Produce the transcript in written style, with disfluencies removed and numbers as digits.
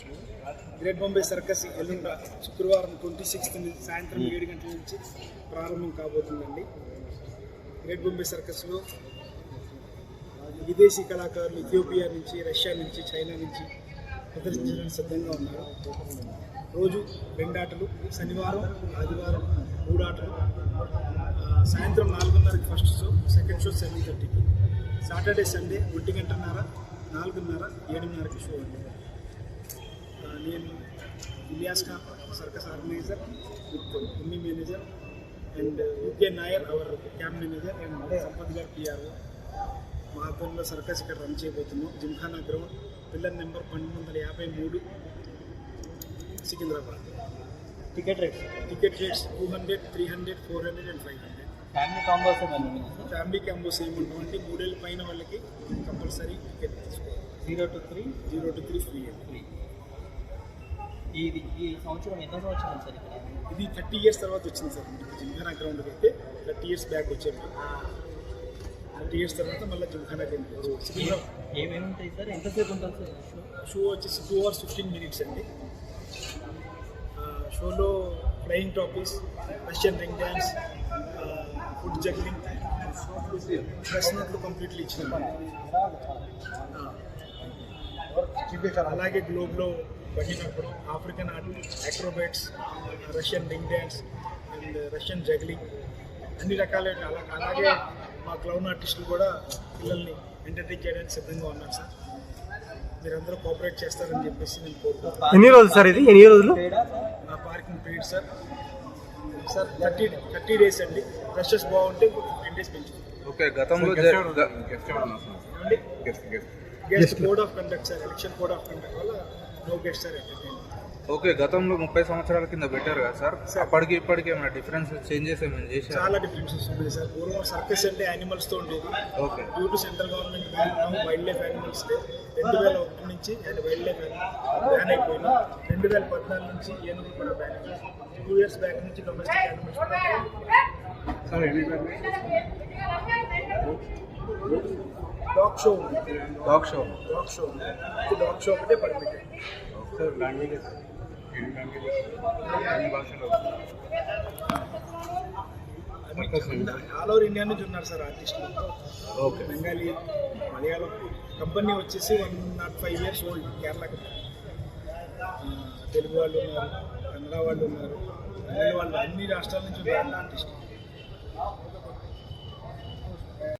Great Bombay circus ఎల్లుండ శుక్రవారం 26 సాయంత్రం 7 గంటల నుంచి ప్రారంభం కాబోతుందండి. గ్రేట్ బాంబే సర్కస్లో విదేశీ కళాకారులు ఇథియోపియా నుంచి, రష్యా నుంచి, చైనా నుంచి ప్రదర్శించడానికి సిద్ధంగా ఉన్నారు. రోజు 2 ఆటలు, శనివారం ఆదివారం 3 ఆటలు. సాయంత్రం 4:30కి ఫస్ట్ షో, సెకండ్ షో 7:30కి. సాటర్డే సండే 1:30, 4:30, 7:30కి షో ఉంది. నేను Ilyas Khan, circus organiser with Emmy manager and UK Nair our camp manager and Sampath గారు పిఆర్ఓ. మా ఆధ్వర్యంలో సర్కస్ ఇక్కడ రన్ చేయబోతున్నాం. Gymkhana ground, pillar number 1253, Secunderabad. Ticket rates 200, 300, 400 and 500. Family combos ఏముంటామంటే 3 ఏళ్ళ పైన వాళ్ళకి కంపల్సరీ టికెట్ తీసుకోవాలి. 0 to 3 ఫ్రీ. ఈ సంవత్సరం ఎంత సంవత్సరం సార్ ఇక్కడ? ఇది 30 years తర్వాత వచ్చింది సార్. జిమ్ఖానా గ్రౌండ్కి అయితే 30 years బ్యాక్ వచ్చాము. 30 years తర్వాత మళ్ళీ జిమ్ఖానా గ్రౌండ్కి వచ్చాము. ఏమేమి ఉంటాయి సార్? ఎంతసేపు ఉంటుంది సార్ షో? వచ్చేసి 2 hours 15 minutes అండి. షోలో flying trapeze, Russian ring dance, foot juggling, ప్రశ్నట్లు కంప్లీట్లీ ఇచ్చినాం. అలాగే గ్లోబ్లో బండినప్పుడు African art, acrobats, Russian ring dance and Russian juggling అన్ని రకాల. అలాగే మా క్లౌన్ ఆర్టిస్టులు కూడా పిల్లల్ని ఎంటర్టైన్ చేయడానికి సిద్ధంగా ఉన్నారు సార్. మీరందరూ కోఆపరేట్ చేస్తారని చెప్పేసి నేను కోరుకుంటున్నాను. ఎన్ని రోజులు సార్ ఇది? ఎన్ని రోజులు? నా పార్కింగ్ పీరియడ్ సార్ 30 days అండి. రషెస్ బాగుంటే 10 days పెంచుతాం. ఓకే. గతంలో guest code of conduct sir, election code of conduct వల్ల no guest sir entertain. Okay. గతంలో 30 సంవత్సరాల కింద పెట్టారు కదా సార్, అప్పటికి ఇప్పటికి ఏమైనా డిఫరెన్స్, చేంజెస్ ఏమైనా చేశారు? చాలా డిఫరెన్సెస్ ఉన్నాయి సార్. పూర్వం సర్కస్ అంటే యానిమల్స్తో ఉండేది. Okay. Due to central government ban wildlife animals 2001 నుంచి అండ్ వైల్డ్ లైఫ్ బ్యాన్ అయిపోయింది. 2014 నుంచి ఏనుగులు కూడా బ్యాన్ అయ్యాయి. 2 years బ్యాక్ నుంచి డొమెస్టిక్ యానిమల్స్ కూడా డాగ్ షో ఉంది. డాగ్ షో ఒకటే పర్మిటెడ్. ఆల్ ఓవర్ ఇండియా నుంచి ఉన్నారు సార్ ఆర్టిస్టులు. ఓకే. బెంగాలీ, మలయాళం. కంపెనీ వచ్చేసి 105 years old. Kerala company. Telugu వాళ్ళు ఉన్నారు, కన్నడ వాళ్ళు ఉన్నారు, తమిళ వాళ్ళు, అన్ని రాష్ట్రాల నుంచి ఉన్నారు ఆర్టిస్టులు.